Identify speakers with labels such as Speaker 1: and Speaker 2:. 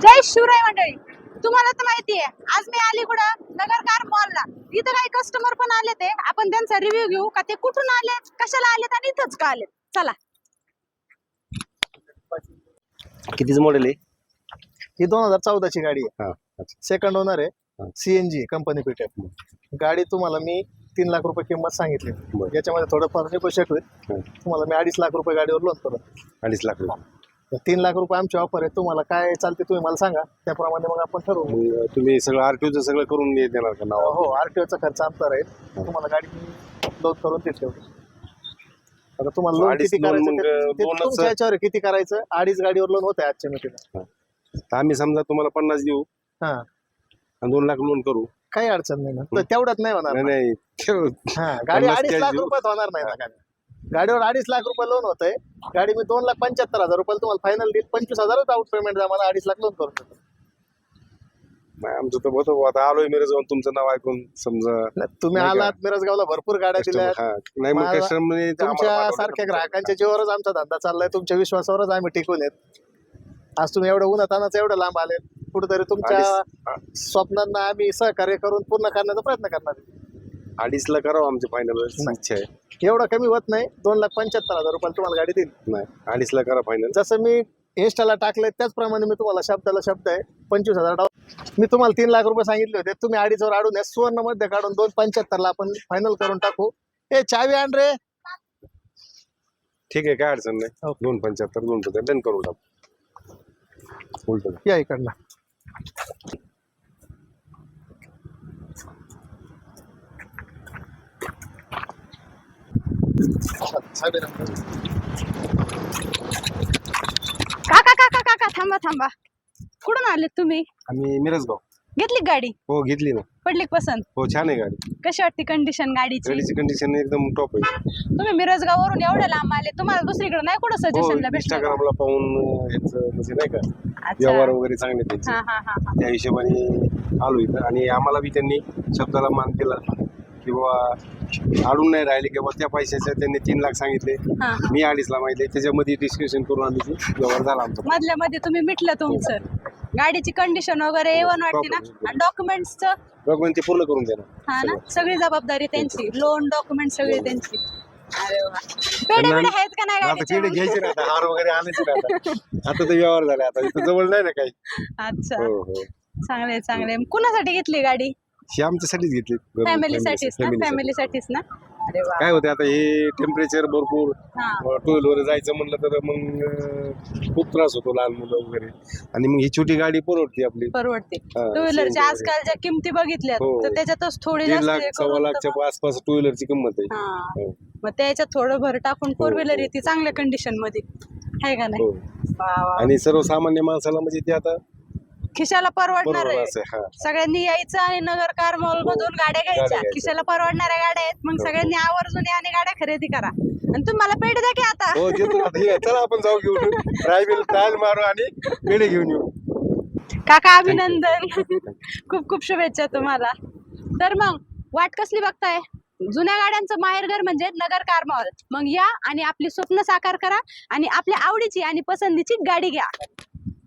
Speaker 1: जय शिवराय मंडळी, तुम्हाला तर माहिती आहे आज मी आली कुठं नगर कार मॉलला. इथं काही कस्टमर पण आले, ते आपण त्यांचा रिव्ह्यू घेऊ का ते कुठून आले, कशाला आलेत आणि इथंच का आलेत. चला.
Speaker 2: कितीच मॉडेल आहे?
Speaker 3: ही 2014 ची गाडी आहे.
Speaker 2: अच्छा.
Speaker 3: सेकंड ओनर आहे. सीएनजी कंपनी फिटेड गाडी. तुम्हाला मी 3 लाख रुपये किंमत सांगितली. याच्यामध्ये थोडंफार निगोशिएट होईल. तुम्हाला मी 2.5 लाख रुपये गाडीवर लोन करू.
Speaker 2: 2.5 लाख रुपये.
Speaker 3: 3 लाख रुपये आमची ऑफर आहे. तुम्हाला काय चालते तुम्ही मला सांगा, त्याप्रमाणे मग आपण ठरवू.
Speaker 2: मग तुम्ही सगळं आरटीओचं सगळं करून देणार का नाव?
Speaker 3: हो, आरटीओचा खर्च आमचा राहील. तुम्हाला गाडी लोन करून देते. आता तुम्हाला लोन किती करायचं ते तुमच्या याच्यावर किती करायचं. 2.5 गाडीवर लोन होत आहे आजच्या मितीला.
Speaker 2: तर आम्ही समजा तुम्हाला 50 देऊ
Speaker 3: हा
Speaker 2: आणि 2 लाख लोन करू.
Speaker 3: काही अडचण नाही ना. तर तेवढ्यात नाही होणार ना.
Speaker 2: नाही
Speaker 3: हा, गाडी 2.5 लाख रुपयात होणार नाही ना. गाडीवर 2.5 लाख रुपये लोन होत आहे. गाडी मी 2,75,000 रुपयाला तुम्हाला फायनल देईल. 25,000 आउट पेमेंट द्या मला. 2.5 लाख लोन करू शकतो.
Speaker 2: नाही आमचं तर होतो. आता आलोय मिरज जाऊन तुमचं नाव ऐकून समजा
Speaker 3: तुम्ही आलात मिरजगावला, भरपूर गाड्या दिल्या.
Speaker 2: नाही मग कस्टमर
Speaker 3: तुमच्या सारख्या ग्राहकांच्या जीवावरच आमचा धंदा चाललाय. तुमच्या विश्वासावरच आम्ही टिकून येत. आज तुम्ही एवढं उन्हातानाच एवढं लांब आले, कुठेतरी तुमच्या स्वप्नांना आम्ही सहकार्य करून पूर्ण करण्याचा प्रयत्न करणार.
Speaker 2: 2.5 लाख करावं आमची फायनल इच्छा आहे.
Speaker 3: एवढं कमी होत नाही. 2,75,000 रुपयाला तुम्हाला गाडी देईल.
Speaker 2: नाही 2.5 लाख करा फायनल.
Speaker 3: जसं मी इन्स्टाला टाकलंय त्याचप्रमाणे मी तुम्हाला शब्दाला शब्द आहे. 25,000 मी तुम्हाला 3 लाख रुपये सांगितले होते. तुम्ही 2.5 वर अडून सुवर्ण मध्ये काढून 2,75,000 आपण फायनल करून टाकू. ए चावी आण रे.
Speaker 2: ठीक आहे, काय अडचण नाही. 2,75,000 2,75,000 डन करून टाकू. उलट
Speaker 3: या इकडला.
Speaker 1: काका काका काका थांबा थांबा. कुठून आलेत तुम्ही?
Speaker 2: आम्ही मिरजगाव.
Speaker 1: घेतली गाडी?
Speaker 2: हो घेतली ना.
Speaker 1: पडली पसंत?
Speaker 2: हो छान आहे गाडी.
Speaker 1: कशी वाटते कंडिशन गाडीची?
Speaker 2: गाडीची कंडिशन एकदम टॉप आहे.
Speaker 1: तुम्ही मिरजगाव वरून एवढ्या लांब आले, तुम्हाला दुसरीकडे नाही कुठं सजेशनला भेटलं?
Speaker 2: इंस्टाग्रामला पाहून याचं म्हणजे नाही का
Speaker 1: अच्छा.
Speaker 2: व्यवहार वगैरे चांगले त्यांचे.
Speaker 1: हा हा हा हा.
Speaker 2: त्या हिशोबाने आलो इथं आणि आम्हाला बी त्यांनी शब्दाला मान दिला की बाबा अडून नाही राहिले किंवा त्या पैशाचे त्यांनी 3 लाख सांगितले.
Speaker 1: हा.
Speaker 2: मी 2.5 ला माहिती. त्याच्यामध्ये डिस्कशन करून आम्ही व्यवहार झाला आमचा.
Speaker 1: मधल्या मध्ये तुम्ही मिटलं तुमचं. गाडीची कंडिशन वगैरे A1 वाटते ना. आणि डॉक्युमेंट्सचं
Speaker 2: डॉक्युमेंट ते पूर्ण करून देणार.
Speaker 1: हा ना, सगळी जबाबदारी त्यांची. लोन डॉक्युमेंट सगळी त्यांची. अरे वा. पेढे बिढे आहेत का नाही
Speaker 2: आता
Speaker 1: गाडीचे?
Speaker 2: पेढे घ्यायचे ना, आता हार वगैरे आणायचे ना. आता तर व्यवहार झाले. आता इथं जवळ नाही ना काही.
Speaker 1: अच्छा,
Speaker 2: हो हो.
Speaker 1: चांगले चांगले. कुणासाठी घेतली गाडी?
Speaker 2: ही आमच्यासाठीच घेतली.
Speaker 1: फॅमिलीसाठीच ना? फॅमिलीसाठीच ना. अरे वा.
Speaker 2: काय होते आता हे टेम्परेचर भरपूर.
Speaker 1: हा.
Speaker 2: टू व्हीलर जायचं म्हणलं तर मग खूप त्रास होतो लहान मुलं वगैरे. आणि मग ही छोटी गाडी परवडते आपली.
Speaker 1: परवडते.
Speaker 2: हा,
Speaker 1: टू व्हीलरच्या
Speaker 2: CNG
Speaker 1: आजकालच्या किमती बघितल्यात
Speaker 2: हो.
Speaker 1: तर त्याच्यातच थोडी
Speaker 2: 3
Speaker 1: जास्त
Speaker 2: लाख
Speaker 1: हे
Speaker 2: 1.25
Speaker 1: करून
Speaker 2: लाखच्या आसपास टू व्हीलरची किंमत आहे.
Speaker 1: हा.
Speaker 2: हो.
Speaker 1: मग त्याच्यात थोडं भर टाकून 4 व्हीलर
Speaker 2: हो.
Speaker 1: येते चांगल्या कंडिशन मध्ये, आहे का नाही?
Speaker 2: हो.
Speaker 1: वा वा.
Speaker 2: आणि सर्वसामान्य माणसाला म्हणजे ते आता
Speaker 1: खिशाला परवडणार
Speaker 2: बरोबर
Speaker 1: आहे.
Speaker 2: असं. हा
Speaker 1: सगळ्यांनी यायचं आणि नगर कार मॉल मधून गाड्या घ्यायच्या.
Speaker 2: घ्यायच्या.
Speaker 1: खिशाला परवडणाऱ्या गाड्या आहेत. मग
Speaker 2: हो.
Speaker 1: सगळ्यांनी आवर्जून या आणि गाड्या खरेदी करा. आणि तुम्हाला पेढे द्या की आता.
Speaker 2: हो देतो ना. हे चला आपण जाऊ घेऊन ट्रायल मारू आणि पेढे घेऊन येऊ.
Speaker 1: काका अभिनंदन. खूप खूप शुभेच्छा तुम्हाला. तर मग वाट कसली बघताय? जुन्या गाड्यांचं माहेरघर म्हणजे नगर कार मॉल. मग या आणि आपली स्वप्न साकार करा आणि आपल्या आवडीची आणि पसंतीची गाडी घ्या.